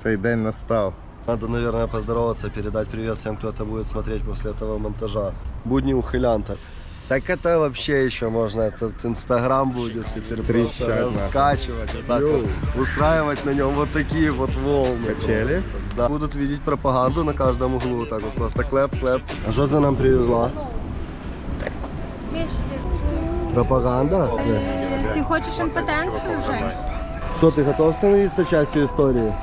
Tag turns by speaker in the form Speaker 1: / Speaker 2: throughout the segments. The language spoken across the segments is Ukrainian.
Speaker 1: Цей день настав.
Speaker 2: Надо, наверное, поздороваться, передать привет всем, кто это будет смотреть после этого монтажа. Будни ухилянта. Так это вообще еще можно, этот Инстаграм будет теперь просто раскачивать, вот так вот, устраивать на нем вот такие вот волны.
Speaker 1: Качели?
Speaker 2: Да. Будут видеть пропаганду на каждом углу, вот так вот просто клэп-клэп. А что ты нам привезла? Пропаганда?
Speaker 3: Ты хочешь импотенцию уже?
Speaker 2: Что, ты готов становиться частью истории?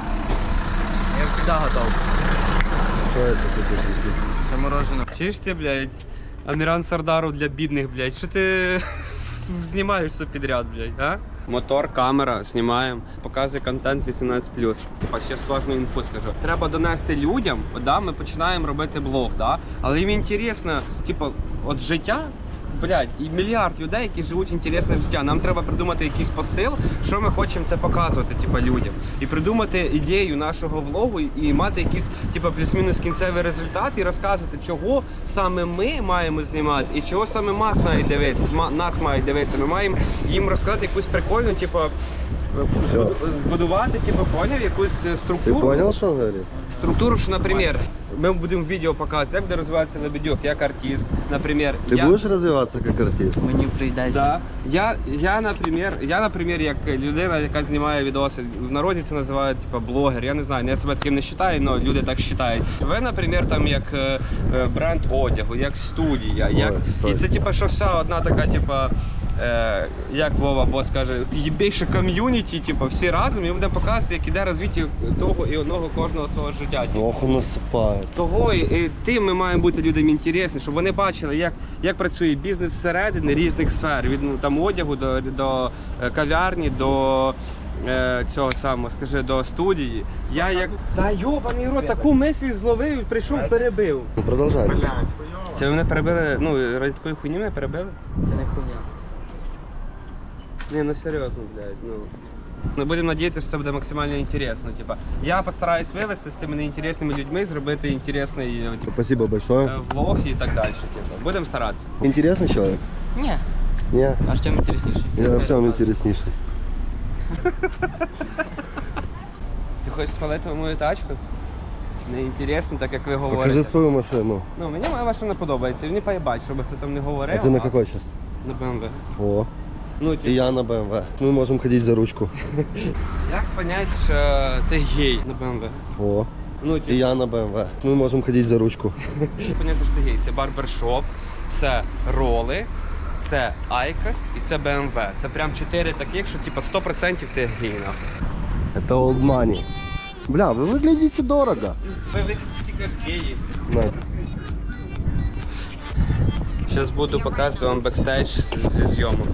Speaker 4: Я всегда готов.
Speaker 2: Что это тут?
Speaker 4: Це мороженое. Чуєш ти, блядь, Аміран Сардаров для бідних, блядь. Що ти знімаєш все підряд, блядь, а? Мотор, камера, знімаємо, показує контент 18+. Типа, ще важну інфу скажу. Треба донести людям, да, ми починаємо робити блог, да? Але їм інтересно, типа, от життя, блядь, і мільярд людей, які живуть інтересне життя. Нам треба придумати якийсь посил, що ми хочемо це показувати, типа, людям. І придумати ідею нашого влогу і мати якийсь, типа, плюс-мінус кінцевий результат і розказувати, чого саме ми маємо знімати і чого саме нас мають дивитися. Ми маємо їм розказати якусь прикольну, типа, збудувати, типу, поняв, якусь структуру.
Speaker 2: Ти понял, що говорить?
Speaker 4: Структуру, що, наприклад, ми будемо відео показувати, як буде розвиватися Лебедюк, як артист, наприклад.
Speaker 2: Ти будеш розвиватися як артист?
Speaker 5: Мені прийдеться.
Speaker 4: Да. Я, наприклад, як людина, яка знімає відоси, в народі це називають, типу, блогер, я не знаю, я себе таким не вважаю, але люди так вважають. Ви, наприклад, там як бренд одягу, як студія, як... І це, типу, що вся одна така, типу, як Вова Бос каже, більше ком'юніті, типу, всі разом, і ми будемо показувати, як іде розвиття того і одного кожного свого життя.
Speaker 2: Ох, насипає.
Speaker 4: Того і тим ми маємо бути людям інтересні, щоб вони бачили, як працює бізнес зсередини різних сфер, від там одягу до кав'ярні, до цього самого, скажи, до студії. Я як... Та йобаний рот, таку мисль зловив, прийшов, перебив.
Speaker 2: Ну, продовжай.
Speaker 4: Це ви мене перебили, ну, ради такої хуйні мене перебили?
Speaker 5: Це не хуйня.
Speaker 4: Ні, ну серйозно, блядь, ну. Ми будемо надіятися, що це буде максимально інтересно. Типа, я постараюсь вивести з цими неінтересними людьми, зробити інтересний
Speaker 2: Спасибо большое.
Speaker 4: влог і так далі. Типу. Будемо старатися.
Speaker 2: Интересный человек?
Speaker 5: Ні.
Speaker 2: Ні?
Speaker 5: Артем інтересніший.
Speaker 2: Я Артем интереснейший.
Speaker 4: Ти хочеш спалити мою тачку? Не інтересно, так як ви говорите.
Speaker 2: Покажи свою машину.
Speaker 4: Ну, мені моя машина подобається, мені поїбать, щоб хто там не говорив.
Speaker 2: А ты на какой сейчас?
Speaker 4: На BMW.
Speaker 2: О,
Speaker 4: Ну,
Speaker 2: и я на БМВ. Мы можем ходить за ручку.
Speaker 4: Як понять, що ти гей на BMW?
Speaker 2: О,
Speaker 4: Ну,
Speaker 2: и я на БМВ. Мы можем ходить за ручку.
Speaker 4: Понятно, що ти гей. Це барбершоп, це роли, це Айкос і це BMW. Це прям 4 таких, що типа 100% ти гей, нахуй.
Speaker 2: Это old money. Бля, вы выглядите дорого.
Speaker 4: Ви виглядите як геї.
Speaker 2: На.
Speaker 4: Зараз буду показувати вам бекстейдж зі зйомок.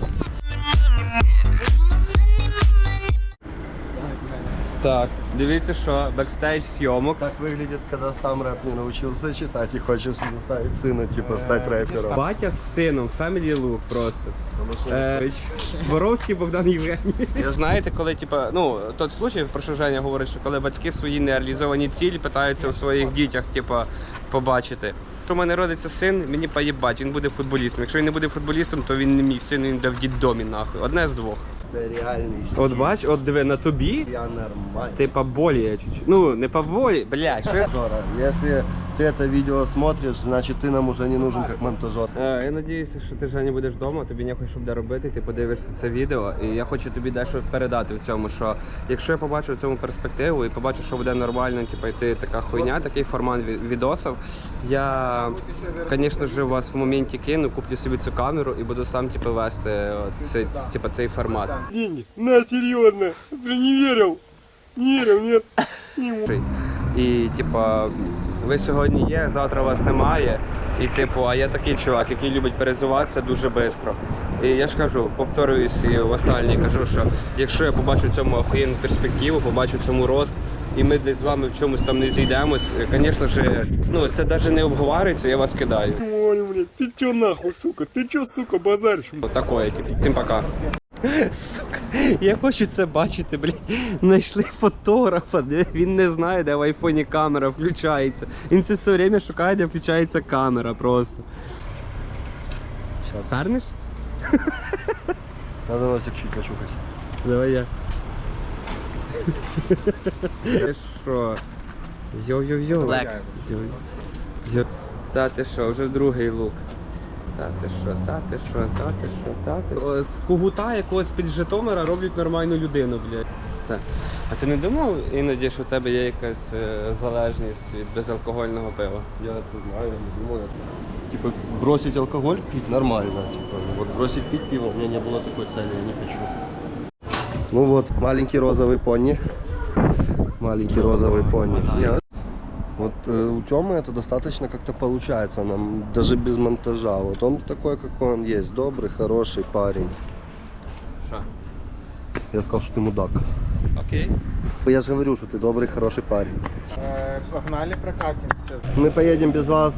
Speaker 4: Так, дивіться, що бекстейдж зйомок.
Speaker 2: Так выглядит, когда сам рэп не научился читать и хочешь заставить сына, типа, стать рэпером.
Speaker 4: Батя з сином, family look просто. Боровський Богдан Євгеній. Знаєте, коли, типа, ну, той случай, про що Женя говорить, що коли батьки свої нереалізовані цілі питаються у своїх дітях, типа, побачити. Якщо в мене родиться син, мені поїбать, він буде футболістом. Якщо він не буде футболістом, то він не мій син, він буде в діддомі, нахуй. Одне з двох.
Speaker 2: Це реальний стиль.
Speaker 4: От бач, от диви, на тобі
Speaker 2: Я нормально.
Speaker 4: ти поболіє чуть-чуть. Ну, не поболіє, блядь, що я...
Speaker 2: Жора, если ты это видео смотришь, значит ты нам уже не нужен как монтажер.
Speaker 4: Я надіюся, що ти, Женя, будеш вдома, тобі нехай що буде робити, ти подивишся це відео. І я хочу тобі дещо передати в цьому, що якщо я побачу в цьому перспективу і побачу, що буде нормально, типу, йти така хуйня, такий формат відосів, я, звісно ж, вас в моменті кину, куплю собі цю камеру і буду сам, типу, вести цей формат.
Speaker 2: Деньги? На, серьезно. Ты не верил? Не верил, нет?
Speaker 4: І, типа, ви сьогодні є, завтра вас немає. І, типу, а я такий чувак, який любить перезуватися дуже швидко. І я ж кажу, повторююсь і в останній кажу, що якщо я побачу в цьому охуєнну перспективу, побачу в цьому рост, і ми десь з вами в чомусь там не зійдемось, звісно ж, ну, це навіть не обговорюється, я вас кидаю.
Speaker 2: Ой, блядь, ты чё нахуй, сука? Ты чё, сука, базаришь?
Speaker 4: Такое, типу. Всім пока. Сука, я хочу це бачити, блядь. Знайшли фотографа, він не знає, де в айфоні камера включається. Він це все время шукає, де включається камера просто.
Speaker 2: Сейчас.
Speaker 4: Сарниш?
Speaker 2: Надо носик чуть почухать.
Speaker 4: Давай я. Ти що? Йо-йо-йо.
Speaker 5: Black.
Speaker 4: Йо. Та ти що, вже другий лук. Та ти що, та ти що, та ти що, та ти. О, з Когута якогось під Житомира роблять нормальну людину, блядь. Так. А ти не думав іноді, що в тебе є якась залежність від безалкогольного пива?
Speaker 2: Я это знаю, я не думал. Типа бросить алкоголь пить нормально. Типа, вот бросить пить пиво, у меня не было такой цели, я не хочу. Ну вот, маленький розовый пони. Маленький розовый пони. Нет. Вот у Тёмы это достаточно как-то получается нам, даже без монтажа. Вот он такой, какой он есть, добрый, хороший парень.
Speaker 4: Що?
Speaker 2: Я сказал, что ты мудак.
Speaker 4: Окей.
Speaker 2: Я же говорю, что ты добрый, хороший парень.
Speaker 1: Погнали прокатимся.
Speaker 2: Мы поедем без вас,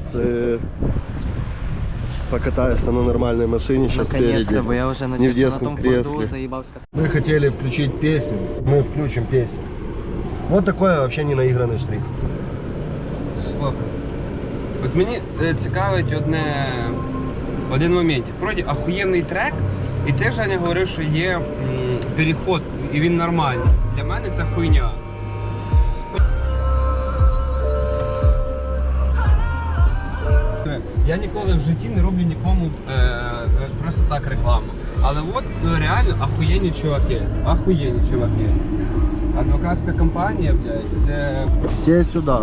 Speaker 2: покатаешься на нормальной машине сейчас
Speaker 5: Наконец-то,
Speaker 2: спереди.
Speaker 5: бо я вже
Speaker 2: Не в
Speaker 5: на
Speaker 2: детском
Speaker 5: том форду
Speaker 2: кресле.
Speaker 5: заїбався.
Speaker 2: Мы хотели включить песню, мы включим песню. Вот такой вообще не наигранный штрих.
Speaker 4: Слухай. От мені цікавить один момент. Вроді ахуєнний трек, і ти, Женя, говорив, що є переход, і він нормальний. Для мене це хуйня. Я ніколи в житті не роблю нікому просто так рекламу. Але от реально ахуєнні чуваки. Ахуєнні чуваки. Адвокатська компанія, блядь, це.
Speaker 2: Сесть сюда.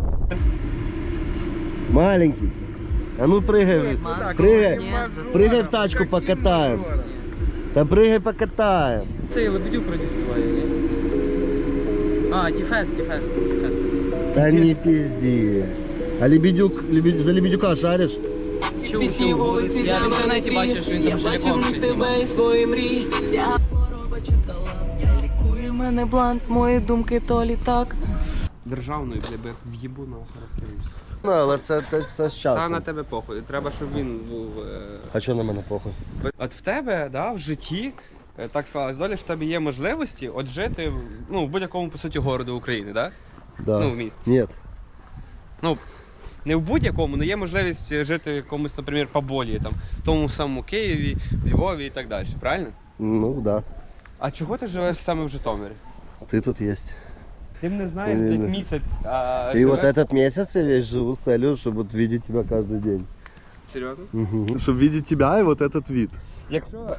Speaker 2: Маленький. А ну прыгай, прыгай, прыгай в тачку покатаем. Да прыгай покатаем.
Speaker 5: Цей Лебедюк вроді співає, ні? А, Тіфест.
Speaker 2: Да не пизди. А за Лебедюка шаришь?
Speaker 5: Чув. Я в інтернеті бачив, що він там шаліком щось знімав.
Speaker 6: Я лікую мене блант, мої думки то літак.
Speaker 4: Державною, бля, в'їбу на характеристику.
Speaker 2: Ну, але це
Speaker 4: Та
Speaker 2: щас.
Speaker 4: на тебе похуй. Треба, щоб він був.
Speaker 2: А що на мене похуй?
Speaker 4: От в тебе, да, в житті, так склалась доля, що в тебе є можливості от жити в будь-якому, по суті, городу України, да?
Speaker 2: Да.
Speaker 4: Ну, в місті.
Speaker 2: Нет.
Speaker 4: Ну, не в будь-якому, але є можливість жити в якомусь, наприклад, Поболі, там, в тому самому Києві, Львові і так далі, правильно?
Speaker 2: Ну да.
Speaker 4: А чого ти живеш саме в Житомирі?
Speaker 2: Ты тут есть.
Speaker 4: Ти мене знаєш
Speaker 2: Ні,
Speaker 4: десь
Speaker 2: ні.
Speaker 4: місяць, а
Speaker 2: И вот
Speaker 4: живеш-
Speaker 2: этот месяц я весь живу с целью, чтобы вот видеть тебя каждый день.
Speaker 4: Серйозно?
Speaker 2: Чтобы видеть тебя и вот этот вид.
Speaker 4: Якщо...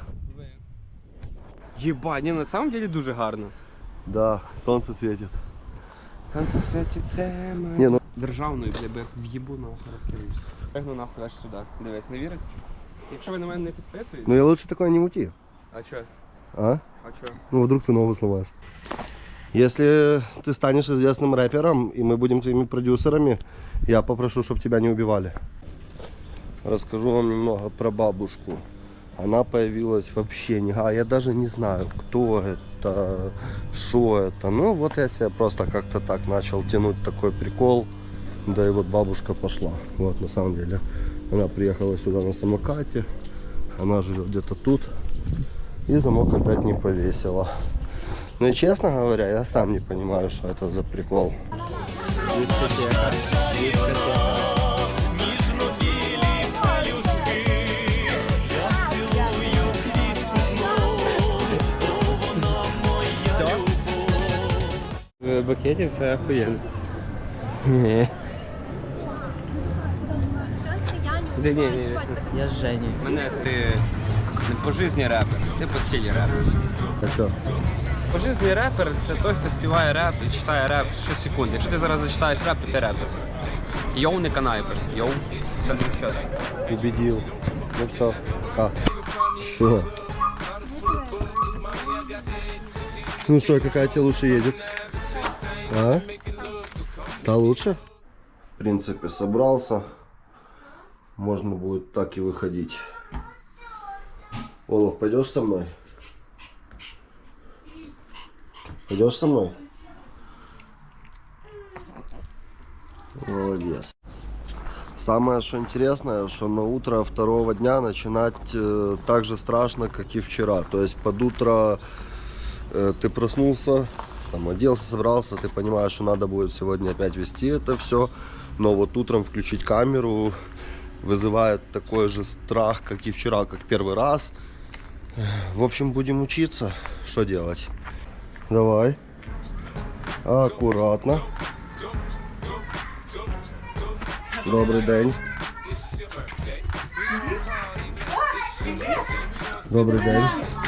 Speaker 4: Єба, ні, на самом деле дуже гарно.
Speaker 2: Да, солнце светит.
Speaker 4: Сонце світить, це моє.
Speaker 2: Ні, ну-
Speaker 4: Державною, бля, в'їбу на характеристику. Пригну нахуй аж сюди. Дивись, не вірить? Якщо ви на мене не підписуєте...
Speaker 2: Ну я лучше такое не мути.
Speaker 4: А чо?
Speaker 2: А?
Speaker 4: А чо?
Speaker 2: Ну вдруг ты ногу сломаешь. Если ты станешь известным рэпером, и мы будем твоими продюсерами, я попрошу, чтобы тебя не убивали. Расскажу вам немного про бабушку. Она появилась вообще не... А я даже не знаю, кто это, что это. Ну вот я себе просто как-то так начал тянуть такой прикол. Да и вот бабушка пошла. Вот на самом деле. Она приехала сюда на самокате. Она живет где-то тут. И замок опять не повесила. Ну и честно говоря, я сам не понимаю, что это за прикол.
Speaker 4: В букеті це охуєнно. Ні.
Speaker 5: Я з Жені.
Speaker 4: Мене ти не по житті репер, ти по стилі репер.
Speaker 2: А что?
Speaker 4: По житті репер це той, хто співає реп і читає реп щосекунди. Якщо ти зараз зачитаєш реп, то ти репер. Йоу, не канай просто. Йоу, це не все.
Speaker 2: Убедил. Ну все. А. Что? Ну что, какая тебе лучше едет? А? Та лучше? В принципе, собрался. Можно будет так и выходить. Олаф, пойдешь со мной? Пойдешь со мной? Молодец. Самое что интересное, что на утро второго дня начинать так же страшно, как и вчера. То есть под утро ты проснулся, там, оделся, собрался, ты понимаешь, что надо будет сегодня опять вести это все. Но вот утром включить камеру вызывает такой же страх, как и вчера, как первый раз. В общем, будем учиться. Что делать? Давай. Акуратно. Добрий день. Добрий день.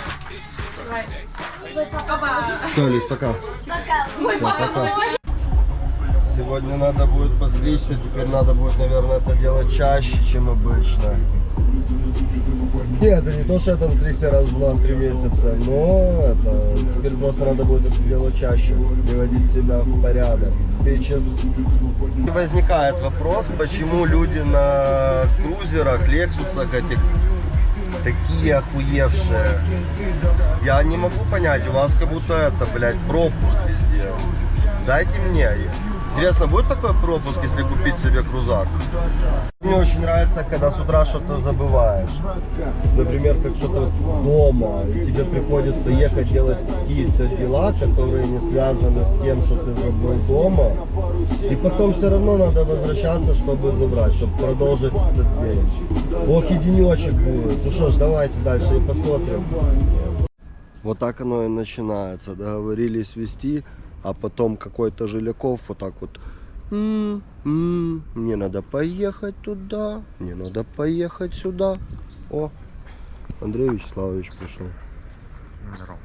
Speaker 2: Все, Лиз, пока. Все, пока. Сегодня надо будет постричься, теперь надо будет, наверное, это делать чаще, чем обычно. Нет, это не то, что я там стригся раз в 3 месяца, но это теперь просто надо будет это делать чаще, приводить себя в порядок. Сейчас возникает вопрос, почему люди на крузерах, лексусах этих такие охуевшие. Я не могу понять, у вас как будто это, блядь, пропуск везде. Дайте мне. Интересно, будет такой пропуск, если купить себе крузак? Мне очень нравится, когда с утра что-то забываешь. Например, как что-то дома, и тебе приходится ехать делать какие-то дела, которые не связаны с тем, что ты забыл дома. И потом все равно надо возвращаться, чтобы забрать, чтобы продолжить этот день. Ох, и денечек будет. Ну что ж, давайте дальше и посмотрим. Вот так оно и начинается. Договорились вести. А потом какой-то Жиляков вот так вот. Мне надо поехать туда, мне надо поехать сюда. О, Андрей Вячеславович пришел.
Speaker 1: Здорово.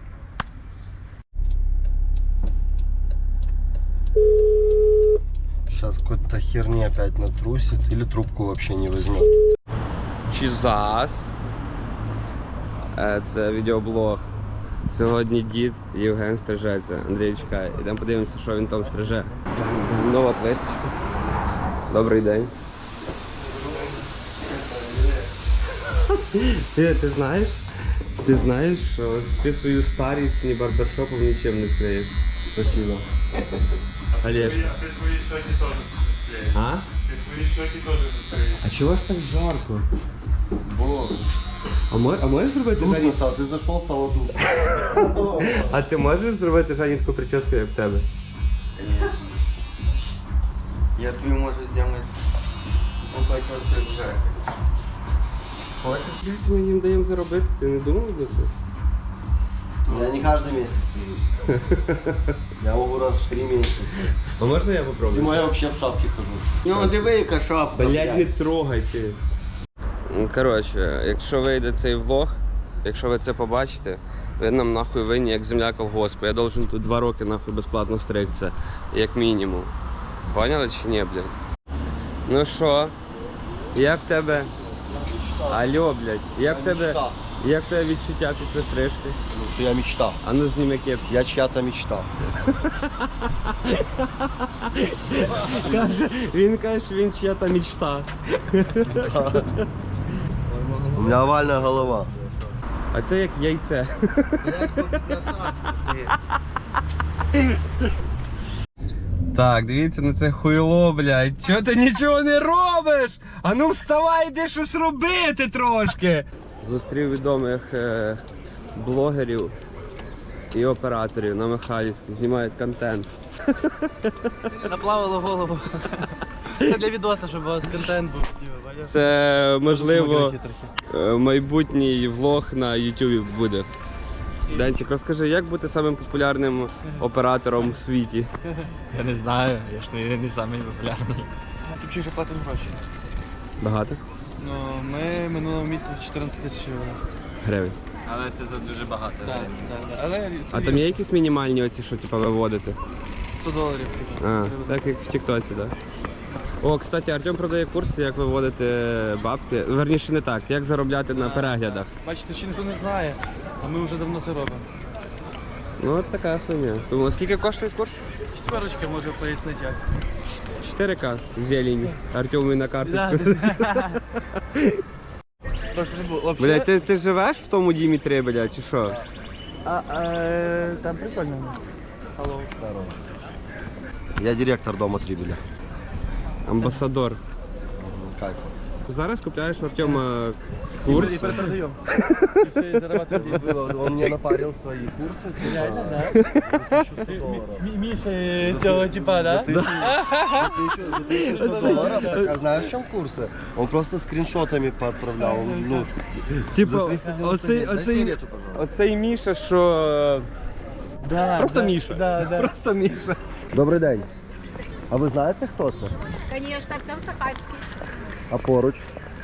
Speaker 2: Сейчас какой-то херни опять натрусит или трубку вообще не возьмет.
Speaker 4: Чизас. Це відеоблог. Сьогодні дід Євген стрижеться. Андрій чекає. Ідемо подивимося, що він там стриже. Нова плиточка. Добрий день. Ти знаєш, що ти свою старість ні барбершопом нічим не скриєш. Спасибо. Олежка.
Speaker 7: Ты свои щеки тоже не склеишь.
Speaker 4: А?
Speaker 7: Ты свои щеки тоже не склеишь.
Speaker 4: А чого ж так жарко?
Speaker 2: Боже.
Speaker 4: А можеш зробити
Speaker 2: Душно
Speaker 4: Жені?
Speaker 2: стало, ты зашел, стало душно.
Speaker 4: А ти можеш зробити Жені таку прическу, як в тебе?
Speaker 5: Я тобі можу зробити почувствую вже.
Speaker 4: Хочеш? Ми їм даємо заробити, ти не думав про це?
Speaker 2: Я не каждый месяц стрижусь. Я могу раз в 3 месяца.
Speaker 4: А можна я попробую?
Speaker 2: Зимой я вообще в шапке хожу.
Speaker 5: Ну, диви, яка шапка.
Speaker 4: Блядь, не трогай ти. Коротше, якщо вийде цей влог, якщо ви це побачите, ви нам нахуй винні, як земля колгоспу. Я должен тут 2 роки нахуй безплатно стригтися, як мінімум. Поняли чи ні, блядь? Ну що, як в тебе? Алло, блядь, як в тебе відчуття після стрижки?
Speaker 2: Потому что я мечта.
Speaker 4: А ну зніми кепку.
Speaker 2: Я чья-то мечта.
Speaker 4: Він каже, що він чия-то мечта.
Speaker 2: У меня овальная голова.
Speaker 4: А це як яйце. Так, дивіться на це хуйло, блядь. Чого ти нічого не робиш? А ну вставай, іди щось робити трошки. Зустрів відомих блогерів і операторів на Михайлівській. Знімають контент.
Speaker 6: Наплавило голову. Це для відоса, щоб у вас контент був.
Speaker 4: Це, можливо, майбутній влог на YouTube буде. Денчик, розкажи, як бути самим популярним оператором у світі?
Speaker 6: Я не знаю, я ж не самий популярний.
Speaker 8: Тобі вже платимо гроші.
Speaker 4: Багато?
Speaker 8: Ну, ми минулого місяця 14 тисяч
Speaker 4: Гривень.
Speaker 6: Але це за дуже багато.
Speaker 8: Так. Але це
Speaker 4: А там є якісь мінімальні оці, що типу, виводити?
Speaker 8: $100, типу.
Speaker 4: А, так як в Тіктоці, так. О, кстати, Артем продає курси, як виводити бабки. Верніше не так, як заробляти на переглядах.
Speaker 8: Бачите, ще ніхто не знає, а ми вже давно це робимо.
Speaker 4: Ну от така хуйня. Тому скільки коштує курс?
Speaker 8: 4 можу пояснити як.
Speaker 4: 4К зелень. Артему на карточку.
Speaker 8: Просто не було.
Speaker 4: Блядь, ти живеш в тому Дімітрі, блядь, чи що?
Speaker 8: Там прикольно. Алло.
Speaker 2: Здорово. Я директор дома Трибеля.
Speaker 4: Амбасадор.
Speaker 2: Кайф.
Speaker 4: Зараз купляєш в Артема курс.
Speaker 8: І перепродаємо. І все, і зарабатуємо деньги.
Speaker 2: Он мне напарил свои курсы.
Speaker 8: Реально, да?
Speaker 2: За $1100.
Speaker 8: Міша цього типа, да?
Speaker 2: За $1100. Так, а знаешь, в чем курсы? Он просто скриншотами поотправлял. Ну,
Speaker 4: Типа,
Speaker 2: за 399. Дай сигарету, пожалуйста.
Speaker 4: оцей Міша, що
Speaker 8: Да,
Speaker 4: Просто
Speaker 8: да,
Speaker 4: Міша.
Speaker 8: Да, да.
Speaker 4: Просто Міша.
Speaker 2: Добрий день. А ви знаєте, хто це?
Speaker 3: Звісно, Артем Сахацький.
Speaker 2: А поруч?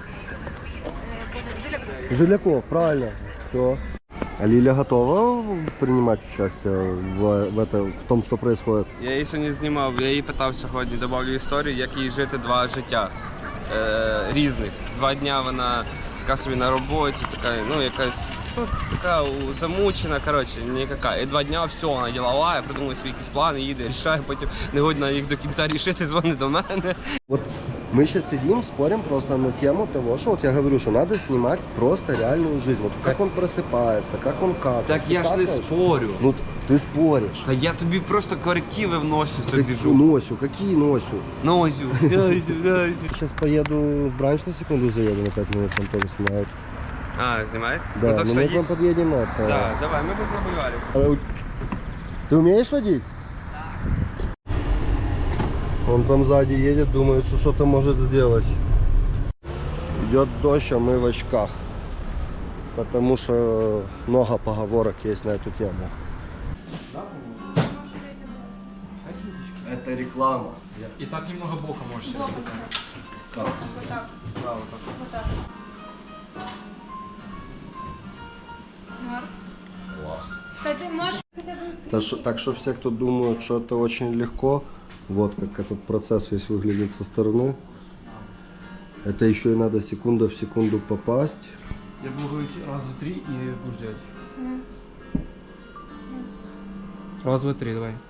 Speaker 2: Жиляков, правильно. Все. А Лиля готова принимать участие в том, что происходит?
Speaker 4: Я її сьогодні знімав, я її питав сьогодні, добавлю історію, як їй жити 2 життя різних. 2 дня вона така собі на роботі, така, ну якась, ну, така замучена, коротше, ніяка. І 2 дня все, вона ділова, придумала свої якісь плани, їде, рішає, потім не годна їх до кінця рішити, дзвонить до мене.
Speaker 2: Вот мы сейчас сидим, спорим просто на тему того, что вот я говорю, что надо снимать просто реальную жизнь. Вот как он просыпается, как он как.
Speaker 4: Так я ж не спорю.
Speaker 2: Ну, ты споришь.
Speaker 4: Та я тобі просто корективи вношу в цю двіжу.
Speaker 2: Носю, какие носю?
Speaker 4: Нозю, нозю, нозю.
Speaker 2: Сейчас поеду в бранч на секунду заеду, на 5 минут там тоже снимают.
Speaker 4: А, знімаєш?
Speaker 2: Да,
Speaker 4: Ну, то
Speaker 2: ну
Speaker 4: все,
Speaker 2: мы
Speaker 4: їдь.
Speaker 2: к вам подъедем это.
Speaker 4: Да, давай, ми будемо на бульварі.
Speaker 2: Ты умеешь водить? Он там сзади едет, думает, что что-то может сделать. Идет дождь, а мы в очках. Потому что много поговорок есть на эту тему. Это реклама.
Speaker 8: И так немного бока можешь себе
Speaker 2: Как?
Speaker 3: Вот так.
Speaker 8: Да, вот так.
Speaker 3: Вот так. Марк.
Speaker 2: Класс.
Speaker 3: Та ти можеш хоча б...
Speaker 2: Так что все, кто думают, что это очень легко, вот как этот процесс весь выглядит со стороны. Это еще и надо секунда в секунду попасть.
Speaker 8: Я буду говорить раз, два, три и будешь делать. Раз, два, три, давай.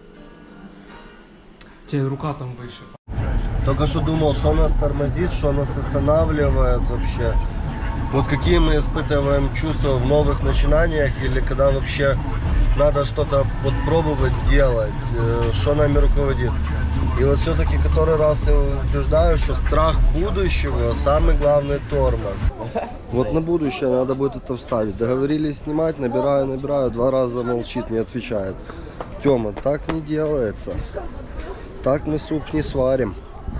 Speaker 8: У тебя рука там выше.
Speaker 2: Только что думал, что нас тормозит, что нас останавливает вообще. Вот какие мы испытываем чувства в новых начинаниях или когда вообще надо что-то попробовать делать, что нами руководит. И вот все-таки который раз я убеждаю, что страх будущего самый главный тормоз. Вот на будущее надо будет это вставить. Договорились снимать, набираю, 2 раза молчит, не отвечает. Тёма, так не делается. Так мы суп не сварим.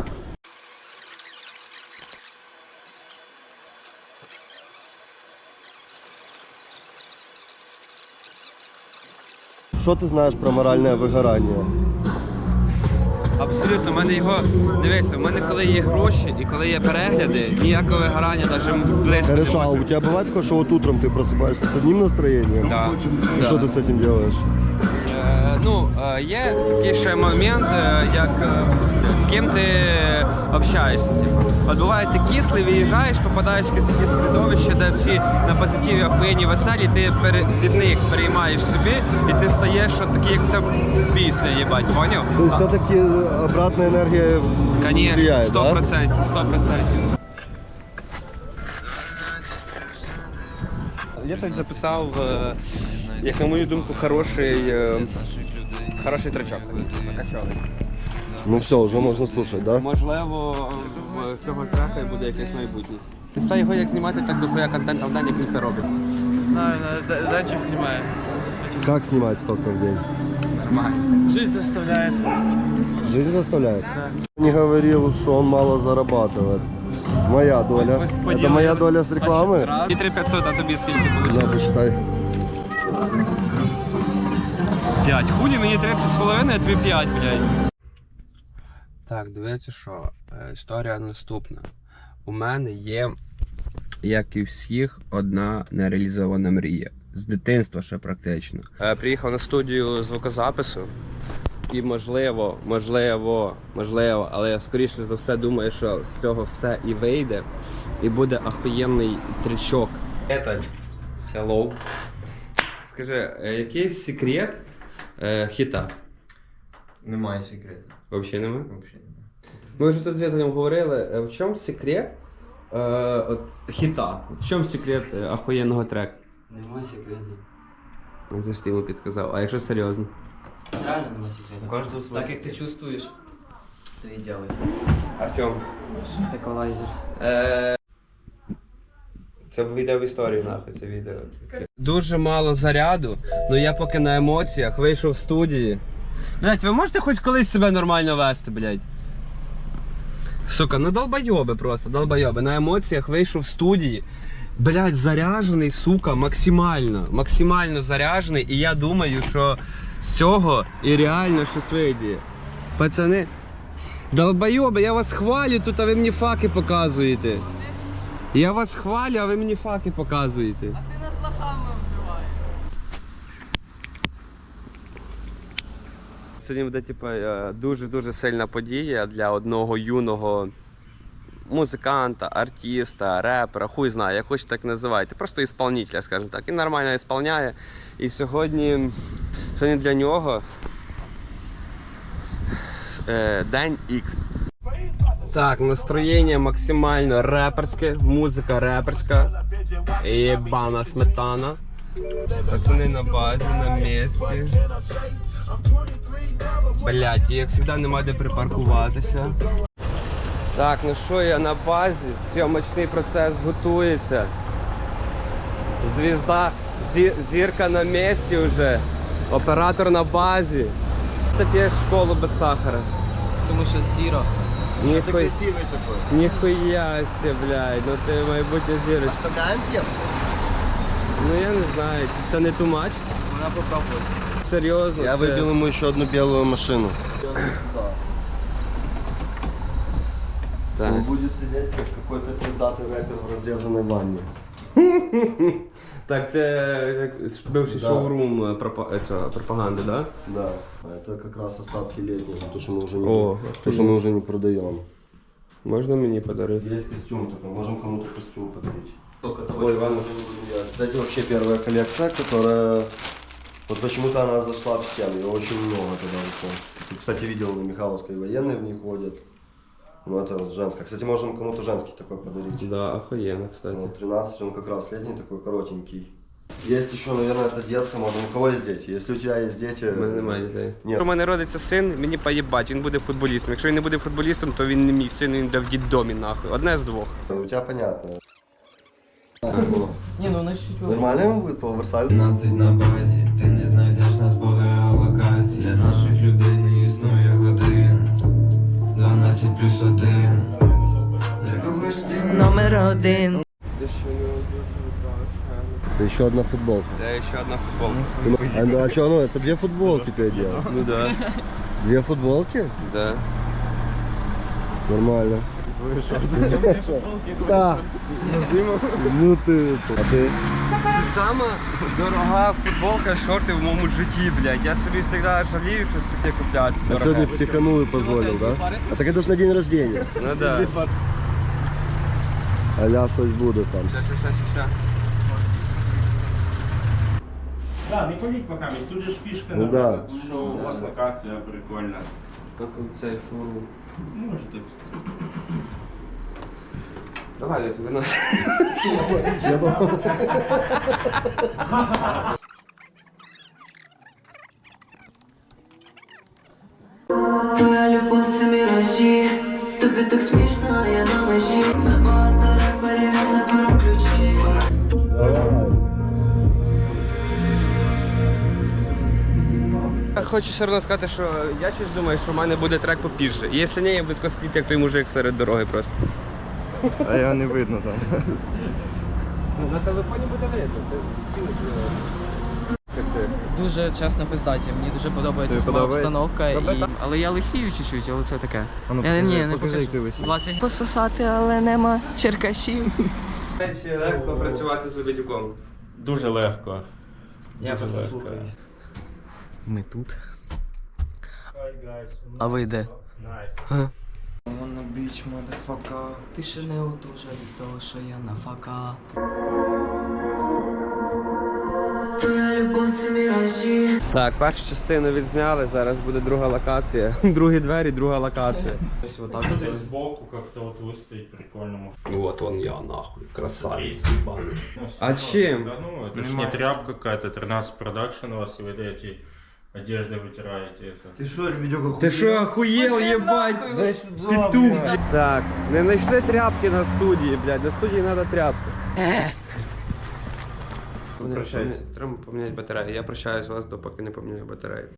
Speaker 2: Що ти знаєш про моральне вигорання?
Speaker 4: Абсолютно, в мене його, дивися, в мене коли є гроші і коли є перегляди, ніякого вигорання навіть близько не
Speaker 2: Хорошо, а
Speaker 4: може.
Speaker 2: у тебя бывает такое, что вот утром ты просыпаешься с одним настроением?
Speaker 4: Да.
Speaker 2: И
Speaker 4: Да.
Speaker 2: что ты с этим делаешь?
Speaker 4: Є такий ще момент, як з ким ти общаєшся. Типу. От буває, ти кислий, виїжджаєш, попадаєш в якесь таке середовище, де всі на позитиві, охуєнні, веселі, ти від них переймаєш собі, і ти стаєш от такий, як це пісня, їбать, поняв?
Speaker 2: То есть все-таки обратная энергия
Speaker 4: Конечно,
Speaker 2: влияет,
Speaker 4: 100%, 100%. Я так записав, як на мою думку, хороший тречок. Накачали.
Speaker 2: Ну все, уже можно слушать, да?
Speaker 4: Можливо, в цього трека і буде якесь майбутнє. Спитаю його, як знімати так дохуя контенту в день, як він це робить.
Speaker 8: Знаю, датчик снимаю.
Speaker 2: Как снимать столько в день?
Speaker 4: Нормально.
Speaker 8: Жизнь заставляет.
Speaker 2: Жизнь заставляет? Не говорил, что он мало зарабатывает. Моя доля. Это моя доля с рекламы?
Speaker 4: І 3500, а тобі скільки
Speaker 2: На,
Speaker 4: вийшло?
Speaker 2: почитай.
Speaker 4: 5. Худі мені 3,5, а тобі 5, блядь. Так, дивіться що, історія наступна. У мене є, як і всіх, одна нереалізована мрія. З дитинства ще практично. Приїхав на студію звукозапису. І можливо, але я скоріше за все думаю, що з цього все і вийде. І буде ахуєнний трючок. Hello. Скажи, який секрет хіта?
Speaker 1: Немає секрету.
Speaker 4: Взагалі немає?
Speaker 1: Взагалі немає.
Speaker 4: Ми вже тут з Віталієм говорили, в чому секрет хіта? В чому секрет ахуєнного треку?
Speaker 5: Немає секретів.
Speaker 4: Це ж ти йому підказав, а якщо серйозно?
Speaker 5: Реально немає секретів.
Speaker 1: Кожного свій
Speaker 5: Так як ти чувствуєш, то і делай.
Speaker 4: Артем.
Speaker 5: Еквалайзер.
Speaker 4: Це вийде в історію нахуй, це відео. Дуже мало заряду, але я поки на емоціях вийшов в студії. Блять, ви можете хоч колись себе нормально вести, блять? Сука, ну долбойоби просто, долбойоби. На емоціях вийшов в студії блядь, заряджений, сука, максимально заряджений, і я думаю, що з цього і реально щось вийде. Пацани, долбойоби, я вас хвалю тут, а ви мені факи показуєте. Я вас хвалю, а ви мені факи показуєте.
Speaker 6: Ти нас лохами обзиваєш.
Speaker 4: Сьогодні буде дуже-дуже сильна подія для одного юного музиканта, артиста, репера, хуй знає, як хочете так називайте. Просто ісполнителя, скажімо так. Він нормально ісполняє. І сьогодні для нього День X. Так, настроєння максимально реперське, музика реперська. Єбана сметана. Пацани на базі, на місці. Блять, як завжди нема де припаркуватися. Так, ну що, я на базі, зйомочний процес готується. Зірка на місці вже, оператор на базі. Ти п'єш школу без сахара.
Speaker 6: Тому що зіро.
Speaker 2: Ты красивый такой.
Speaker 4: Ніхуя себе, блядь, ну ти майбутня зірочка.
Speaker 2: Оставляем тему?
Speaker 4: Ну я не знаю, це не too much?
Speaker 6: Вона попробує.
Speaker 4: Серйозно?
Speaker 2: Я
Speaker 4: це-
Speaker 2: выбил ему еще одну белую машину.
Speaker 4: Так.
Speaker 2: Он будет сидеть как какой-то пиздатый рэпер в разрезанной ванне.
Speaker 4: Так, це бивший
Speaker 2: Да.
Speaker 4: шоурум пропаганди, да?
Speaker 2: Да. А это как раз остатки летнего, то, что мы уже не,
Speaker 4: О,
Speaker 2: то, что мы уже не продаем.
Speaker 4: Можна мені подарити?
Speaker 2: Есть костюм такой, можем кому-то костюм подарить. Только того,
Speaker 4: Ой,
Speaker 2: что
Speaker 4: ладно.
Speaker 2: уже не будем делать. Кстати, вообще первая коллекция, которая... Вот почему-то она зашла всем, ее очень много тогда вышло. Ты, кстати, видел, на Михайловской военные в них ходят. Ну это вот женская. Кстати, можем кому-то женский такой подарить.
Speaker 4: Да, охуєнно, кстати.
Speaker 2: Вот, 13, он как раз летний такой, коротенький. Есть еще, наверное, это детская, можно у кого есть дети. Если у тебя есть дети...
Speaker 4: У мене немає дітей.
Speaker 2: Ні.
Speaker 4: Якщо у мене родиться син, мені поїбать, він буде футболістом. Якщо він не буде футболістом, то він не мій син, він буде в діддомі, нахуй. Одне з двох.
Speaker 2: У тебя понятно.
Speaker 6: Ні, ну вона чуть-чуть.
Speaker 2: Нормально ему будет по оверсайзу?
Speaker 9: 15 на базі, ти не знайдеш нас по геолокації. Наших людей не існує годин. 12 плюс 1. Для когось ти
Speaker 6: Номер один.
Speaker 2: Это еще одна футболка.
Speaker 4: Це ще одна футболка.
Speaker 2: А что, ну это две футболки ты одел?
Speaker 4: Ну да.
Speaker 2: Две футболки?
Speaker 4: Да.
Speaker 2: Нормально. Да. Ну ты... А ты?
Speaker 4: Це сама дорога футболка, шорти в моєму житті, блядь. Я собі завжди жалію щось таке купляти.
Speaker 2: А
Speaker 4: дороге.
Speaker 2: сегодня психанул и позволил, да? А так это ж на день рождения.
Speaker 4: Ну да.
Speaker 2: Аля щось буде там.
Speaker 4: Ща.
Speaker 7: Да, не паліть пока, тут же ж фішка.
Speaker 2: Ну да.
Speaker 7: Що у вас локація прикольна.
Speaker 4: Цей шоурум.
Speaker 7: Може так.
Speaker 4: Давай, я тебе на.
Speaker 5: Твоя любов це міражі, тобі так смішно, а я на межі. Забагато реперів, я заберу ключі.
Speaker 4: Хочу все одно сказати, що я щось думаю, що в мене буде трек попізже. І якщо ні, я буду сидіти, як той мужик серед дороги просто.
Speaker 2: А його не видно там.
Speaker 4: На телефоні буде видно.
Speaker 6: Дуже чесно пиздаті. Мені дуже подобається
Speaker 2: Тобі
Speaker 6: сама
Speaker 2: подобається?
Speaker 6: обстановка. Але я лисію чуть-чуть, але це таке. Я не покажу. Пососати, але нема черкашів.
Speaker 4: Чи легко працювати з Лебедюком?
Speaker 7: Дуже легко.
Speaker 6: Я просто слухаю. Ми тут. А ви де?
Speaker 7: Найс.
Speaker 6: Ти ще не одужав від того, що я на фака.
Speaker 5: Твоя любов це міражі.
Speaker 4: Так, першу частину відзняли, зараз буде друга локація. Другі двері, друга локація.
Speaker 6: Ось отак.
Speaker 7: Здесь сбоку как-то вот выставить прикольному.
Speaker 4: Вот он я, нахуй, красавець.
Speaker 7: Ну,
Speaker 4: А
Speaker 7: всё
Speaker 4: чем?
Speaker 7: Да, ну, это ж не тряпка какая-то, 13 продакшн у вас, и вы эти одежды вытираете. Это.
Speaker 2: Ти що, Лебедюк,
Speaker 4: Ти що, охуєл, єбать? Петух, блядь. Так, не знайшли тряпки на студії, блядь, на студії треба тряпки.
Speaker 7: Прощайся.
Speaker 4: Треба поміняти батарею. Я прощаюсь з вас, допоки не поміняю батарею.